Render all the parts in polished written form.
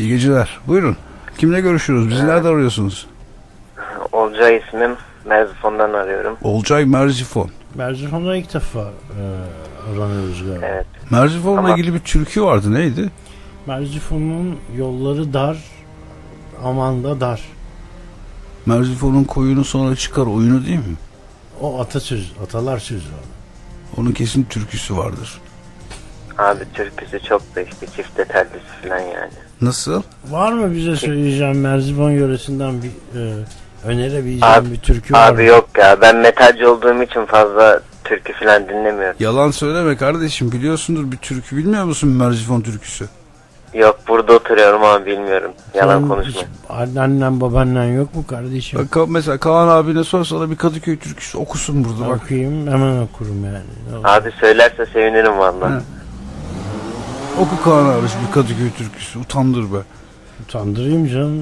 İyi geceler. Buyurun. Kimle görüşüyoruz? Bizi nerede arıyorsunuz? Olcay ismim. Merzifon'dan arıyorum. Olcay Merzifon. Merzifon'da ilk defa aranıyoruz galiba. Evet. Merzifon'la Ama- ilgili bir türkü vardı. Neydi? Merzifon'un yolları dar, aman da dar. Merzifon'un koyunu sonra çıkar oyunu değil mi? O atasöz, atalar sözü. Onun kesin türküsü vardır. Abi türküsü çok da işte çifte tellisi falan yani. Nasıl? Var mı bize söyleyeceğim Merzifon yöresinden bir önerebileceğim Abi- bir türkü var mı? Abi yok ya, ben metalci olduğum için fazla türkü falan dinlemiyorum. Yalan söyleme kardeşim. Biliyorsundur bir türkü. Bilmiyor musun Merzifon türküsü? Yok, burada oturuyorum ama bilmiyorum. Yalan Senin konuşma. hiç Annen babannen yok mu kardeşim? Bak, mesela Kaan abine sor, sana bir Kadıköy türküsü okusun burada bak. Bakayım hemen okurum yani. Ne olur. Abi söylerse sevinirim valla. He. Oku Kaan abi bir Kadıköy türküsü. Utandır be. Utandırayım canım.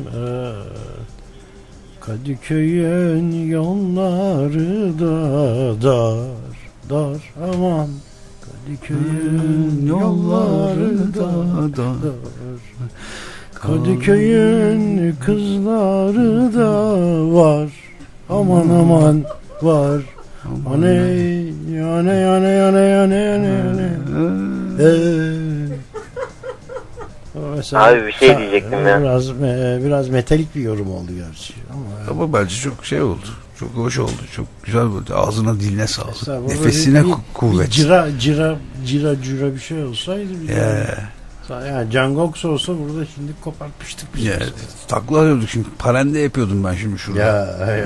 Kadıköy'ün yolları da dar aman. Kadıköy'ün yolları da dar. Kadıköy'ün kızları da var. Aman aman var. Aney aney aney aney aney aney. Mesela, Abi bir şey diyecektim ya. Biraz metalik bir yorum oldu gerçi Ama bence çok şey oldu. Çok hoş oldu. Çok güzel oldu. Ağzına diline sağlık. Mesela burada Nefesine bir kuvvet. cira bir şey olsaydı yani Can Gox olsa burada şimdi kopartmıştık biz. Ya, takla arıyorduk şimdi. Parende yapıyordum ben şimdi şurada. Ya.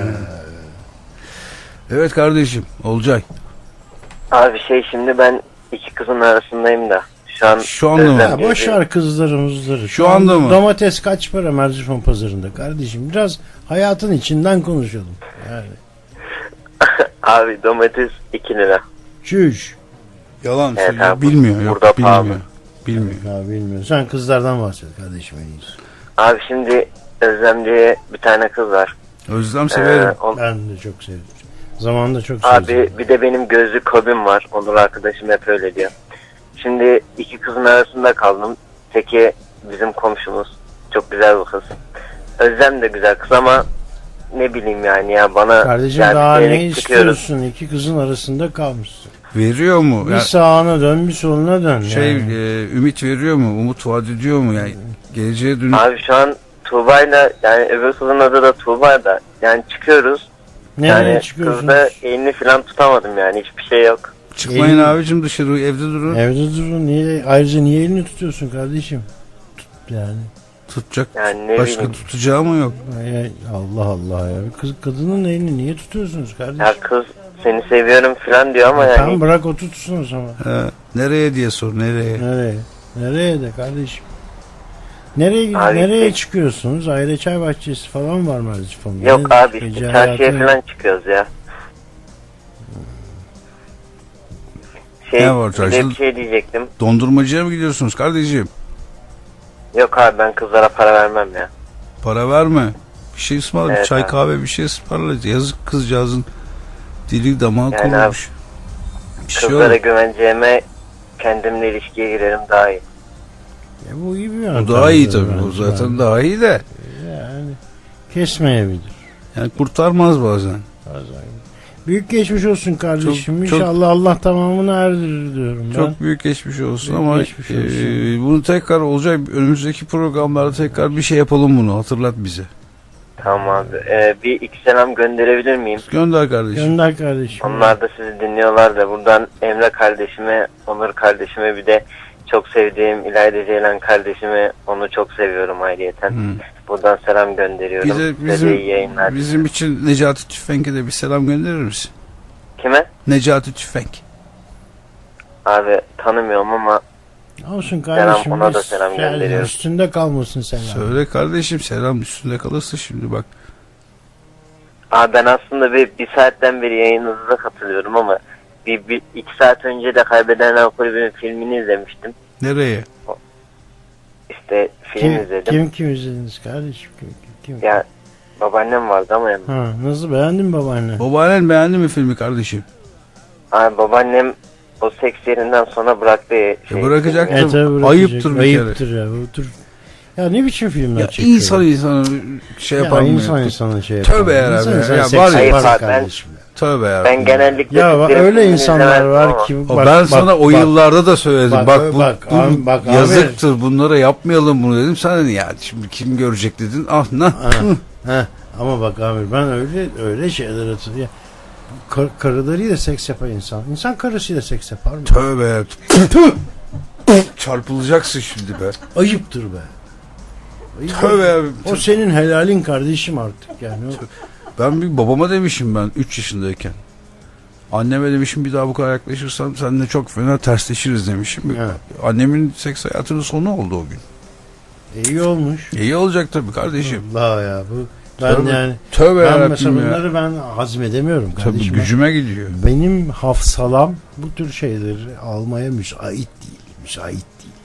Evet kardeşim. Olcay. Abi şimdi ben iki kızın arasındayım da. Şu anda mı? Özlem Ya diye boş bir- ver kızlarımızları. Şu anda mı? Domates kaç para Merzifon pazarında kardeşim? Biraz hayatın içinden konuşalım. Yani. Abi domates 2 lira. Çüş. Yalan Evet söylüyor. abi, Bilmiyor. Yok, burada bilmiyor. pahalı. Bilmiyor. Ya bilmiyorum. Sen kızlardan bahset kardeşim en iyisi. Abi şimdi Özlem diye bir tane kız var. Özlem severim. Ben de çok sevdim. Zamanında çok Abi sevdim. bir de benim gözlük hobim var. Onur arkadaşım hep öyle diyor. Şimdi iki kızın arasında kaldım. Teki bizim komşumuz. Çok güzel bir kız. Özlem de güzel kız ama ne bileyim yani ya bana Kardeşim yani daha bir ne yere çıkıyoruz. istiyorsun? İki kızın arasında kalmışsın. Veriyor mu? Bir Ya, sağına dön bir soluna dön. Yani. Ümit veriyor mu? Umut vaat ediyor mu? Yani geleceğe dönük. Abi şu an Tuğba'yla, yani öbür kızın adı da Tuğba da, yani çıkıyoruz. Nereye Yani çıkıyorsunuz? kızda elini falan tutamadım, yani hiçbir şey yok. Çıkmayın Elini- abicim dışarı, evde durun. Evde durun. Ayrıca niye elini tutuyorsun kardeşim? Yani. Tutacak Yani ne başka bileyim. tutacağı mı yok? Allah Allah ya. Kadının elini niye tutuyorsunuz kardeşim? Ya kız seni seviyorum falan diyor ama Tamam yani bırak o tutsun o zaman. Nereye diye sor, nereye? Nereye? Nereye de kardeşim? Nereye Abi, nereye çıkıyorsunuz? Ayrı çay bahçesi falan var mı Merzifon'da? yok Ne- abi gece işte çarşıya hayatı- falan çıkıyoruz ya. Ne var Bir de çarşıda? bir şey diyecektim. Dondurmacıya mı gidiyorsunuz kardeşim? Yok abi, ben kızlara para vermem ya. Para verme. Bir şey ısmarla, Evet çay abi. kahve bir şey ısmarla. Yazık kızcağızın dili damağı Yani kurumuş. Bir şey Kızlara yok. güveneceğime kendimle ilişkiye girerim daha iyi. Ya bu iyi bir O yöntem. daha iyi tabii. O bence. zaten daha iyi de. Yani kesmeyebilir. Yani kurtarmaz bazen. Bazen. Büyük geçmiş olsun kardeşim. Çok- İnşallah Allah tamamını erdirir diyorum ben. Çok büyük geçmiş olsun Büyük ama geçmiş olsun. bunu tekrar olacak. Önümüzdeki programlarda tekrar bir şey yapalım bunu. Hatırlat bize. Tamam abi. Bir iki selam gönderebilir miyim? Gönder kardeşim. Gönder kardeşim. Onlar da sizi dinliyorlar da, buradan Emre kardeşime, Onur kardeşime, bir de çok sevdiğim İlayda Ceylan kardeşime, onu çok seviyorum ayrıyeten. Buradan selam gönderiyorum. Size de iyi yayınlar. Bizim için Necati Tüfenk'e de bir selam gönderir misin? Kime? Necati Tüfenk. Abi tanımıyorum ama Olsun kardeşim. ona da biz- selam yani gönderiyorum. Üstünde kalmasın selam. Söyle kardeşim, selam üstünde kalırsa şimdi bak. abi ben aslında bir saatten beri yayınınıza katılıyorum ama bir iki saat önce de Kaybedenler Kulübü'nün filmini izlemiştim. Nereye? İşte film izledim. Kim izlediniz kardeşim? Kim? Ya babaannem vardı ama yanımda. Ha, nasıl beğendin mi babaanne? Babaannen beğendi mi filmi kardeşim? Abi babaannem o seks yerinden sonra bıraktı. Bırakacaktı. filmi. tabii bırakacak. Ayıptır bir kere. Ayıptır ya. Otur. Ya ne biçim filmler Ya çekiyor? insan şey yapar mı? İnsan şey yapar. Tövbe yarabbim İnsan ya. insan Ya seks var ya- yapar Hayır, kardeşim ya. Tövbe ya. Ben genellikle Ya bak, Türklerin öyle filmini insanlar izlemezdim var ama. ki Ben sana o yıllarda da söyledim. Bak, Bak, bu, bak, bu abi, bak, abi. yazıktır. Bunlara yapmayalım bunu dedim. Sen dedin ya şimdi kim görecek dedin. Ah ne? Ama bak Amir, ben öyle şeyler hatırlıyorum. Karılarıyla seks yapan insan. İnsan karısıyla seks yapar mı? Tövbe ya. Çarpılacaksın şimdi be. Ayıptır be. Ayıp. Tövbe ya. O senin helalin kardeşim artık yani. Ben bir babama demişim ben 3 yaşındayken. Anneme demişim bir daha bu kadar yaklaşırsan seninle çok fena tersleşiriz demişim. Evet. Annemin seks hayatının sonu oldu o gün. İyi olmuş. İyi olacak tabii kardeşim. Allah ya bu. Ben Tövbe, yani Tövbe ben yarabbim mesela ya. bunları ben hazmedemiyorum Tabii kardeşim. gücüme gidiyor. Benim hafsalam bu tür şeyleri almaya müsait değil. Müsait değil.